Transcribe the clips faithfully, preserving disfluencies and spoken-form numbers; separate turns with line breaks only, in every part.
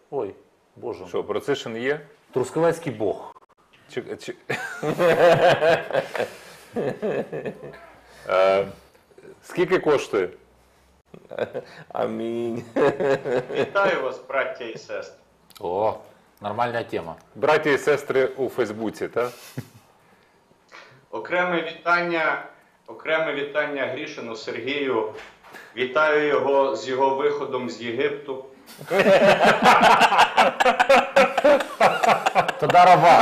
Ой, боже.
Що, Процишин є?
Трускавецький Бог.
Чи... чи... е, скільки коштує?
Амінь.
Вітаю вас, браття і сестри.
О, нормальна тема.
Браті і сестри у Фейсбуці, так?
Окреме вітання, окреме вітання Грішину Сергію. Вітаю його з його виходом з Єгипту.
Тодарова.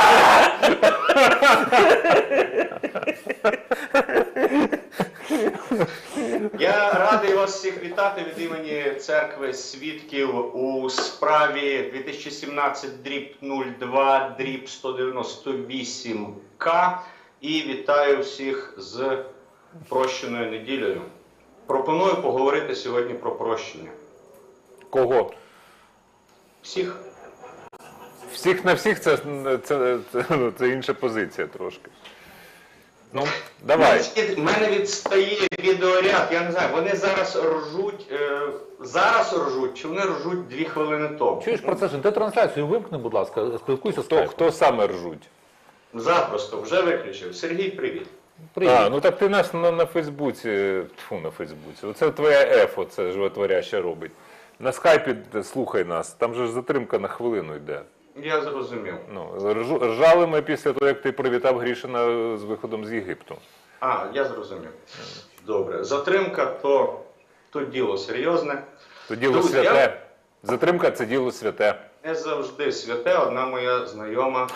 Я радий вас всіх вітати від імені Церкви Свідків у справі дві тисячі сімнадцять дріб нуль два дріб сто дев'яносто вісім К і вітаю всіх з прощеною неділею. Пропоную поговорити сьогодні про прощення.
Кого?
Всіх.
Всіх на всіх це, це, це, це, це інша позиція трошки. Ну, давай.
У мене відстає відеоряд, я не знаю, вони зараз ржуть, е, зараз ржуть, чи вони ржуть дві хвилини тому?
Чуєш, Процишин, ти трансляцію вимкни, будь ласка, спілкуйся з
Хто,
Скайпом.
хто саме ржуть?
Запросто, вже виключив. Сергій, привіт.
Привіт.
А, ну так ти нас на, на Фейсбуці, тьфу, на Фейсбуці, оце твоя ефо, це животворяще робить. На скайпі слухай нас, там же ж затримка на хвилину йде.
Я зрозумів.
Ну, ржу- ржали ми після того, як ти привітав Грішина з виходом з Єгипту.
А, я зрозумів. Добре. Затримка то, то діло серйозне.
То діло
Друзі,
святе.
я-
Затримка це діло святе.
Не завжди святе, одна моя знайома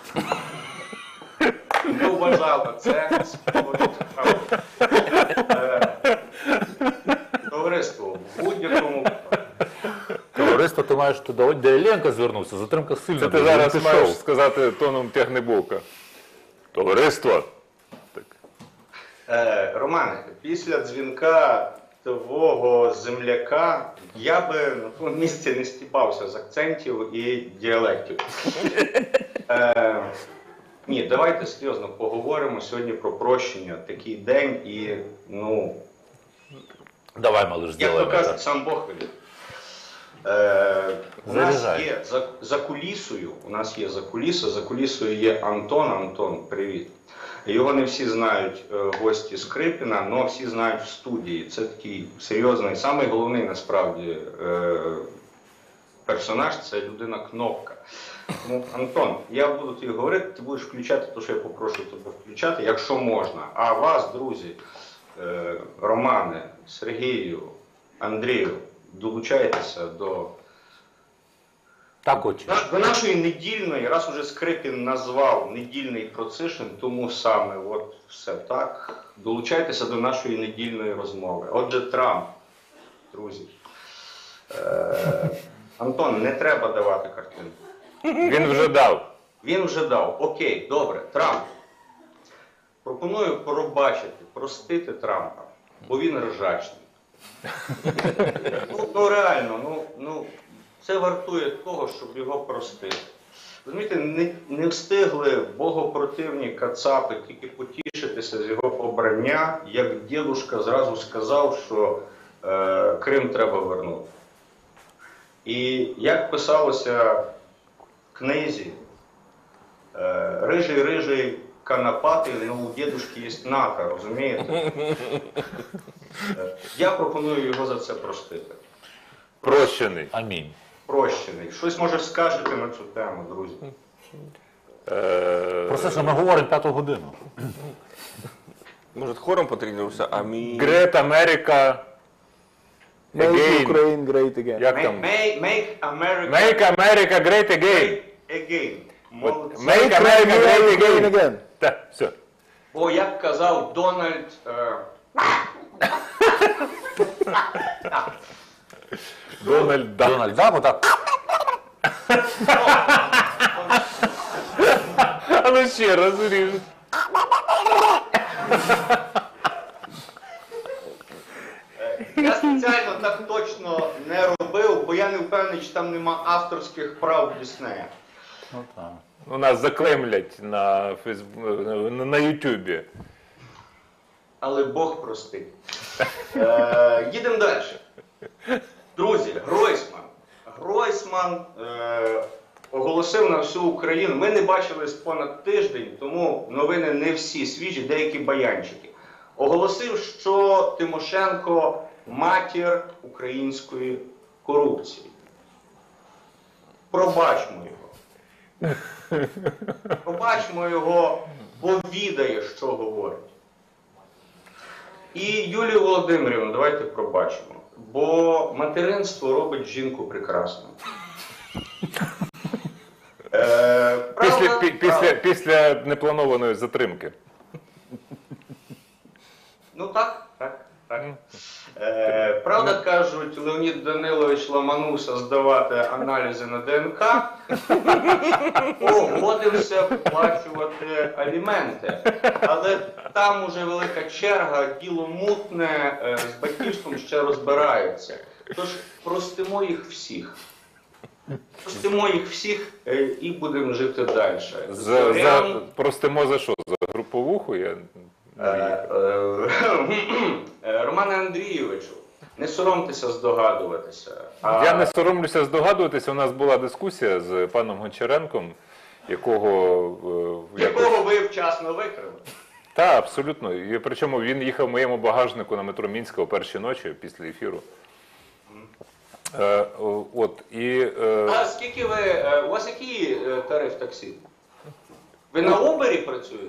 не вважала це з поводу справи. Е, Товариство, в будь-якому
Товариство, ти маєш туди, де Єленка звернувся, затримка сильна.
Це ти
дуже,
зараз
він
маєш
пішов.
сказати тоном тягнебока. Товариство. Так.
Е, Романе, після дзвінка твого земляка я би на тому місці не стібався з акцентів і діалектів. Е, ні, давайте серйозно поговоримо сьогодні про прощення. Такий день і, ну,
Давай, малыш,
як
зробимо.
то кажуть, сам Бог велів. Е, у нас
Заряджай.
є за, за кулісою, у нас є за кулісою, за кулісою є Антон. Антон, привіт. Його не всі знають е, гості Скрипіна, але всі знають в студії. Це такий серйозний, самий головний насправді е, персонаж, це людина-кнопка. Ну, Антон, я буду тобі говорити, ти будеш включати те, що я попрошу тебе включати, якщо можна. А вас, друзі, е, Романе, Сергію, Андрію, долучайтеся до,
Так очі.
до нашої недільної, раз уже Скрипін назвав недільний Процишин, тому саме, от все так, долучайтеся до нашої недільної розмови. Отже, Трамп, друзі. Е, Антон, не треба давати картинку.
Він вже дав.
Він вже дав. Окей, добре, Трамп. Пропоную пробачити, простити Трампа, бо він ржачний. Ну, ну реально, ну, ну, це вартує того, щоб його простити. Розумієте, не, не встигли богопротивні кацапи тільки потішитися з його обрання, як дідушка зразу сказав, що е, Крим треба вернути. І як писалося в книзі, е, рижий-рижий конопатий, ну у дідушки є нака, розумієте? Е, я пропоную його за це простити.
Прощений.
Амінь.
Прощений. Щось, може, скажете на цю тему, друзі?
Е,
Процишин, ми говоримо п'яту годину.
Може, хором потренуємося? Амінь.
Great America.
Make
Again.
Ukraine great again.
Як
Make,
там?
make, make America
Make America great again.
again.
От,
Молодці.
Make America great
Ukraine
again.
again.
Так, все.
Бо, як казав Дональд... Е,
Дональд Дак.
Дональд, да, так?
А ну ще раз ріж.
я спеціально так точно не робив, бо я не впевнений, чи там нема авторських прав Діснея.
Ну так.
У нас заклемлять на Фейсбу... на, на Ютубі.
Але Бог простить. Е, їдемо далі. Друзі, Гройсман. Гройсман е, оголосив на всю Україну. Ми не бачились понад тиждень, тому новини не всі свіжі, деякі баянчики. Оголосив, що Тимошенко матір української корупції. Пробачмо його. Пробачмо його, бо відає, що говорить. І Юлію Володимирівну давайте пробачимо. Бо материнство робить жінку прекрасною. Е, правда,
Після, пі- після,
правда.
після непланованої затримки.
Ну так, так, так. Е, правда, кажуть, Леонід Данилович ламанувся здавати аналізи на ДНК, погодився виплачувати аліменти. Але там уже велика черга, діло мутне, е, з батьківством ще розбираються. Тож простимо їх всіх. Простимо їх всіх е, і будемо жити далі.
За, за, простимо за що? За груповуху? Я...
Е, е, е, Романе Андрійовичу, не соромтеся здогадуватися. А...
Я не соромлюся здогадуватися, у нас була дискусія з паном Гончаренком, якого... е, якось-
Якого ви вчасно викрили.
Та, абсолютно. І причому він їхав в моєму багажнику на метро Мінська о першій ночі після ефіру. Е, о, от, і, е,
А скільки ви, е, у вас який е, тариф таксі? Ви на Uber працюєте?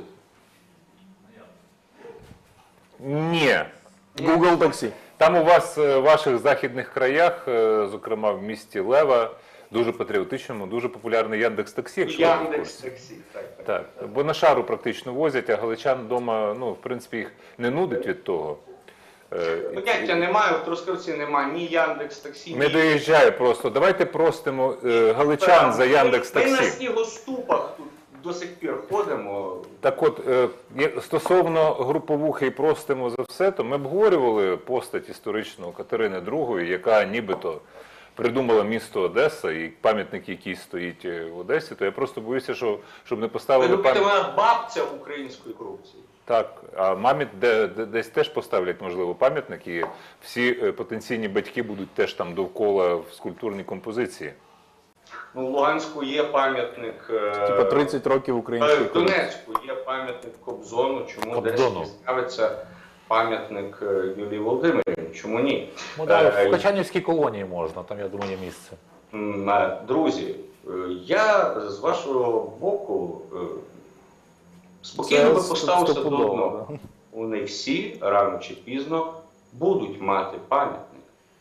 ні.
Google Taxi.
Там у вас е, в ваших західних краях, е, зокрема в місті Лева, дуже патріотичному, дуже популярний Яндекс.Таксі, якщо ви в
Яндекс
курсі.
таксі. Так, так.
Так, бо на шару практично возять, а галичан вдома, ну, в принципі, їх не нудить від того. Е,
Поняття немає, в Трускавці немає ні Яндекс таксі,
Не
ні...
доїжджає просто. Давайте простимо е, галичан за
Ми на
Яндекс.Таксі.
снігоступах тут до сих пір ходимо.
Так от, е, є- стосовно груповухи і простимо за все, то ми обговорювали постать історичну Катерини другої, яка нібито придумала місто Одеса і пам'ятник, який стоїть е, в Одесі, то я просто боюся, що, щоб не
Ви
поставили
думаєте,
пам'ятник.
вона бабця української корупції?
Так, а мамі де, де- десь теж поставлять, можливо, пам'ятник, і всі е, потенційні батьки будуть теж там довкола в скульптурній композиції.
Ну, в Луганську є пам'ятник... е,
Типа тридцять років
Е,
української
В Донецьку є пам'ятник Кобзону, чому
Кобзону.
десь з'явиться пам'ятник е, Юлії Володимирівні, чому ні?
Ну, да,
Е,
в Качанівській колонії можна, там, я думаю, є місце.
м, е, Друзі, е, я з вашого боку е, спокійно би
Це
поставився до
стопудово,
одного.
да.
Вони всі рано чи пізно будуть мати пам'ятник.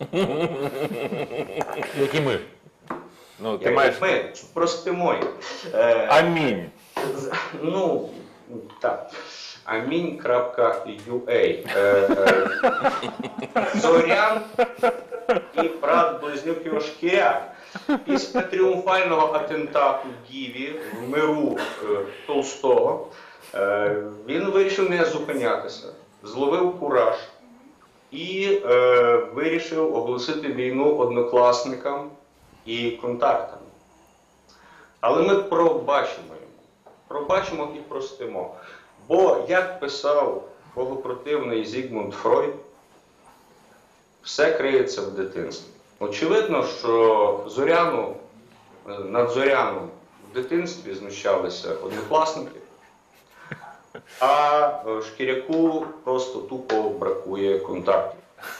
Як і ми.
Ну, ти
Як
маєш...
Ми простимо їх. Е,
Амінь.
З- Ну, так. Амінь.ua. Е, е, Зорян і брат близнюк Йошкіря. Після тріумфального атентату Діві в миру е, Толстого е, він вирішив не зупинятися, зловив кураж і е, вирішив оголосити війну однокласникам і контактам. Але ми пробачимо йому, пробачимо і простимо. Бо, як писав богопротивний Зігмунд Фройд, все криється в дитинстві. Очевидно, що Зоряну, над Зоряном в дитинстві знущалися однокласники, а Шкіряку просто тупо бракує контактів.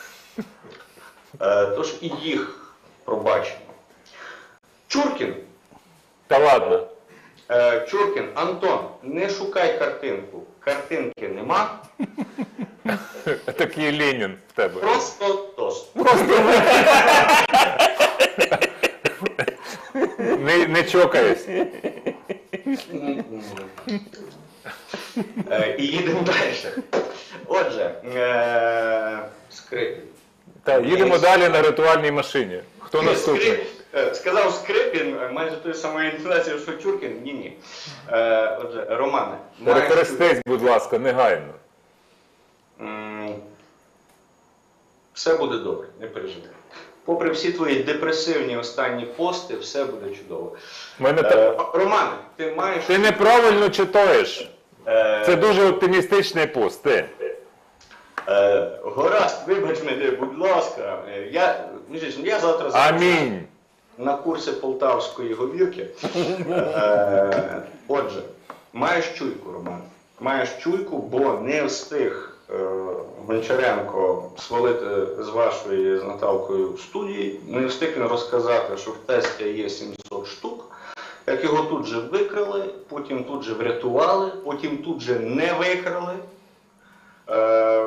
Е, Тож і їх пробачимо. Чуркін.
Та ладно.
Е, Чуркін, Антон, не шукай картинку. Картинки нема.
Такий Ленін в тебе.
Просто тост.
Не, не чокаюсь.
Е, І їдемо далі. Отже, е, Скрипін.
Та, їдемо далі на ритуальній машині. Хто наступний?
Скрип- е, Сказав Скрипін, е, майже тою самою інтонацією, що Чуркін. Ні-ні. Е, Отже, Романе. маєш
Перехрестись, будь ласка, негайно.
М, Все буде добре, не переживай. Попри всі твої депресивні останні пости, все буде чудово.
Мене
Е,
та...
Романе, ти маєш...
Ти неправильно читаєш.
е,
Це дуже оптимістичний пост. Ти.
е, Гаразд, вибач мене, будь ласка. Е, Я, між іншим, я завтра...
Амінь.
на курси полтавської говірки. Е, Отже, маєш чуйку, Роман. Маєш чуйку, бо не встиг е, Гончаренко свалити з вашої з Наталкою студії, не встиг він розказати, що в тесті є сімсот штук, як його тут же викрали, потім тут же врятували, потім тут же не викрали. Е,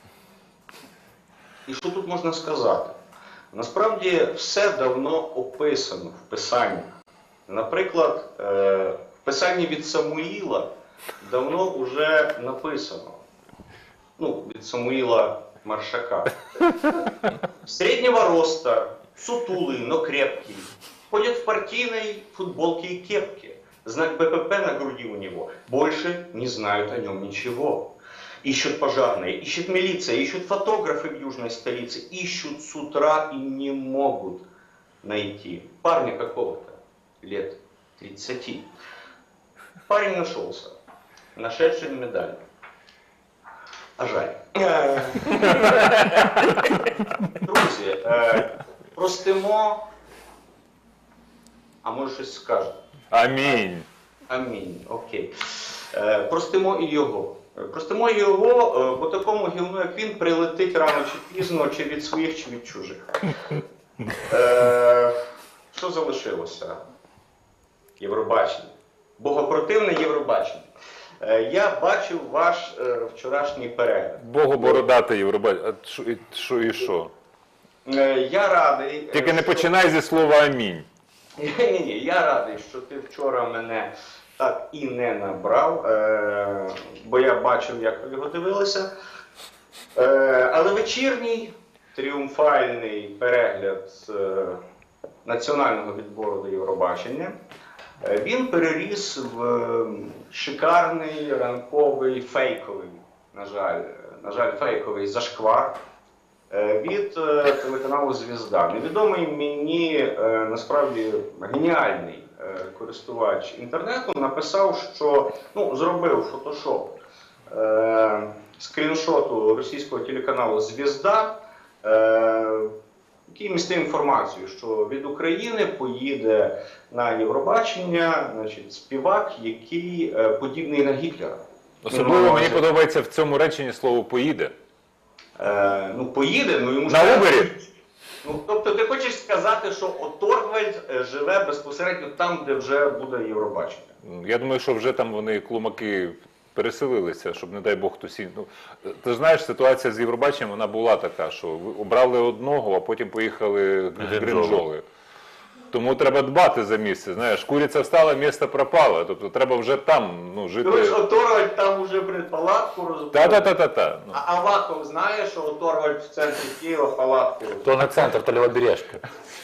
і що тут можна сказати? Насправді все давно описано в писаннях. Наприклад, е, в писанні від Самуїла давно вже написано. Ну, від Самуїла Маршака. Среднего роста, сутулый, но крепкий. Ходит в партийной футболке и кепке. Знак Б П П на груди у него. Больше не знают о нем ничего. Ищут пожарные, ищет милиция, ищут фотографы в южной столице. Ищут с утра и не могут найти. Парня какого-то, лет тридцати. Парень нашелся, нашедший медаль. А жаль. Друзі, е, простимо, а може щось скажете?
Амінь.
Амінь, окей. Е, простимо і його. Простимо його, е, бо такому гівну, як він, прилетить рано чи пізно, чи від своїх, чи від чужих. Е, що залишилося? Євробачення. Богопротивне Євробачення. Е, я бачив ваш е, вчорашній перегляд.
Богу бородати Євробачення. А що і що? І що?
Е, я радий. е,
Тільки не
що-
починай зі слова амінь.
Ні-ні, я радий, що ти вчора мене так і не набрав, е, бо я бачив, як ви його дивилися. Е, але вечірній тріумфальний перегляд е, національного відбору до Євробачення, е, він переріс в е, шикарний ранковий фейковий, на жаль, на жаль, фейковий зашквар е, від е, телеканалу «Звізда». Невідомий мені е, насправді геніальний е, користувач інтернету написав, що ну, зробив фотошоп е, скріншоту російського телеканалу «Звізда», е, який містив інформацію, що від України поїде на Євробачення, значить, співак, який е, подібний на Гітлера.
Особливо мені подобається в цьому реченні слово поїде.
Е, ну, поїде, ну йому ж
На
треба-
Убері?
Ну, тобто ти хочеш сказати, що Оторвальд е, живе безпосередньо там, де вже буде Євробачення?
Я думаю, що вже там вони клумаки переселилися, щоб, не дай Бог, хтось ін- ну, ти ж знаєш, ситуація з Євробаченням, вона була така, що ви обрали одного, а потім поїхали в
Гринджоли.
Гринджоли. Тому треба дбати за місце. Знаєш, куриця встала, місце пропало. Тобто треба вже там ну, жити.
Тому що Оторвальд там уже блін, палатку розбив.
Та-та-та-та-та. Ну.
А Аваков знає, що Оторвальд в центрі Києва палатку розбив?
То на центр, то лівобережка.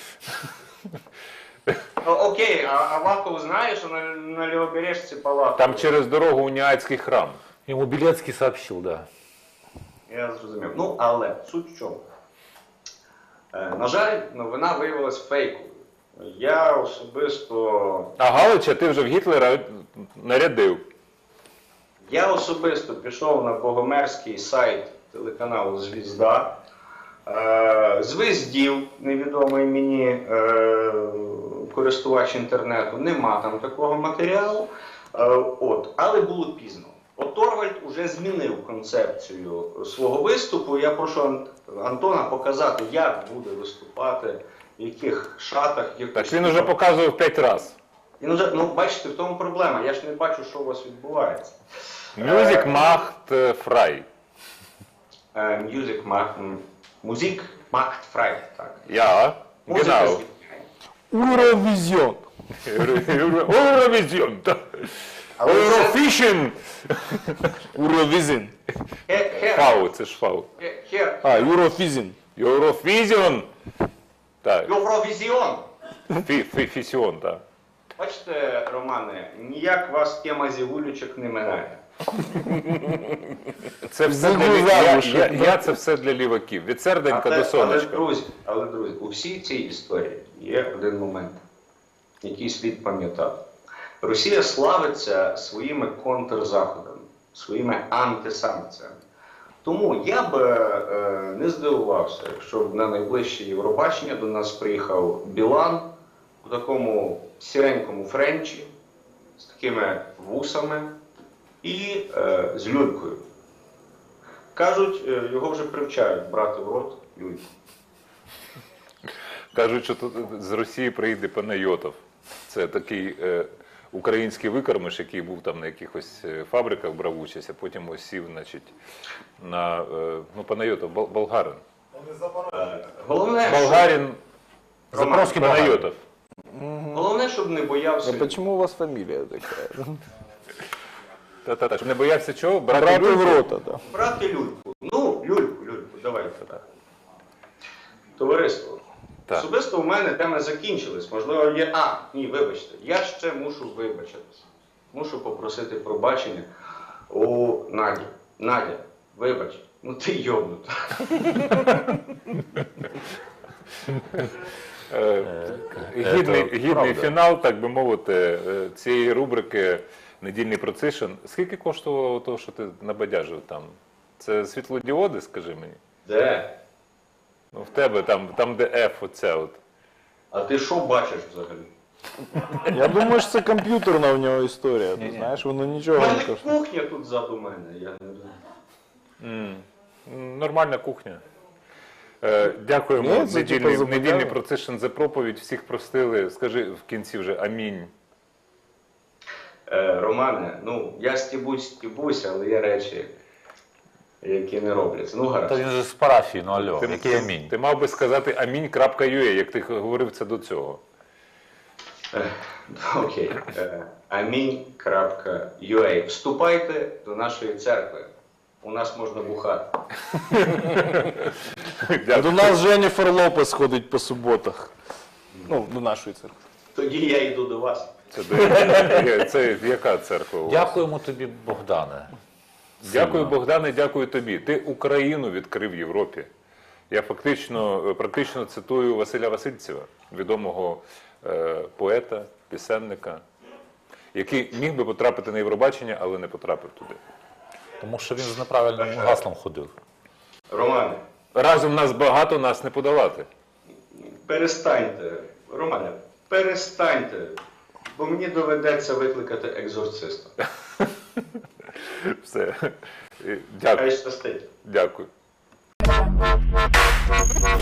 Ну, окей, а Аваков знає, що на, на Лівобережці палатку.
Там через дорогу Уніатський храм.
Ему Белецкий сообщил, да.
Я зрозумів. Ну, але суть в чому? Е, на жаль, новина виявилась фейковою. Я особисто,
А Галича ти вже в Гітлера нарядив.
я особисто пішов на богомерзький сайт телеканалу «Звізда», е, звездів, невідомий мені е, користувач інтернету, нема там такого матеріалу. Е, от, але було пізно. Оторвальд уже змінив концепцію свого виступу. Я прошу Ан- Антона показати, як буде виступати, в яких шатах, в яких
Так він уже показував п'ять разів.
Він уже, ну, бачите, в тому проблема. Я ж не бачу, що у вас відбувається.
Мюзик Macht Frei.
Е, Music macht, м, Musik macht frei. Так.
Ja,
Музика
genau.
звільняє.
Eurovision.
Eurovision.
Але це-
Eurovision.
Eurovision.
Хе- хер-
Фау, це ж фау.
хе- хер-
А, Eurovision.
Eurovision. Так,
Євровізіон.
фі- фі- фісіон, так.
Бачите, Романе, ніяк вас тема зігулючок не минає.
Це все для
Загрузав
лі- я,
уже,
я,
да.
я це все для ліваків. Від серденька
Але,
до
але,
сонечка.
друзі, але, друзі, у всій цій історії є один момент, який слід пам'ятати. Росія славиться своїми контрзаходами, своїми антисанкціями. Тому я б е, не здивувався, якщо б на найближче Євробачення до нас приїхав Білан, такому сіренькому френчі, з такими вусами і е, з люлькою. Кажуть, е, його вже привчають брати в рот люльку.
Кажуть, що тут з Росії приїде Панайотов. Це такий е, український викормиш, який був там на якихось е, фабриках, брав участь, а потім ось сів, значить, на, е, ну, Панайотов, бол- болгарин.
Е, головне, щоб,
Болгарин,
Запорозький
Панайотов.
головне, щоб не боявся.
А почему у вас фамилия такая?
Та-та-та, щоб не боявся чого? Брати
Брат
люльку?
в рота, да.
Брати люльку. Ну, люльку, люльку, давайте так. Товариство.
Так.
Особисто у мене теми закінчились. Можливо, є. А, ні, вибачте. Я ще мушу вибачитись. Мушу попросити пробачення у Наді. Надя, вибач, ну ти йобнута.
Е, Гідний,
Це
гідний
правда.
фінал, так би мовити, е, цієї рубрики «Недільний процишн». Скільки коштувало того, що ти набадяжив там? Це світлодіоди, скажи мені?
Де?
Ну, в тебе там, там де F, оця от.
А ти що бачиш взагалі?
Я думаю, що це комп'ютерна в нього історія. Ти знаєш, воно
У
нічого не
мене
коштує.
кухня тут ззаду мене. Я не знаю.
М, м, Нормальна кухня. Е, Дякуємо.
Ні, це
недільний,
типу забудова.
недільний процишн за проповідь. Всіх простили. Скажи в кінці вже амінь.
Е, Романе, ну я стібусь, стібусь, але є речі, які не робляться. Ну
Та
гаразд.
він же з парафії, ну алло,
Ти,
який
ти-
амінь.
ти мав би сказати амінь.ua, як ти говорив це до цього.
Е, Окей. Е, амінь.ua. Вступайте до нашої церкви. У нас можна бухати.
До нас Женніфер Лопес ходить по суботах. Ну, до нашої церкви.
Тоді я йду до вас.
Це, де- це яка церква у вас?
Дякуємо тобі, Богдане.
Дякую, Богдане, дякую тобі. Ти Україну відкрив в Європі. Я фактично, практично цитую Василя Васильцева, відомого е, поета, пісенника, який міг би потрапити на Євробачення, але не потрапив туди.
Тому що він з неправильним гаслом ходив.
Романе,
Разом нас багато, нас не подолати.
перестаньте. Романе, перестаньте. Бо мені доведеться викликати екзорциста.
Все. Дякую.
Хай щастить.
Дякую.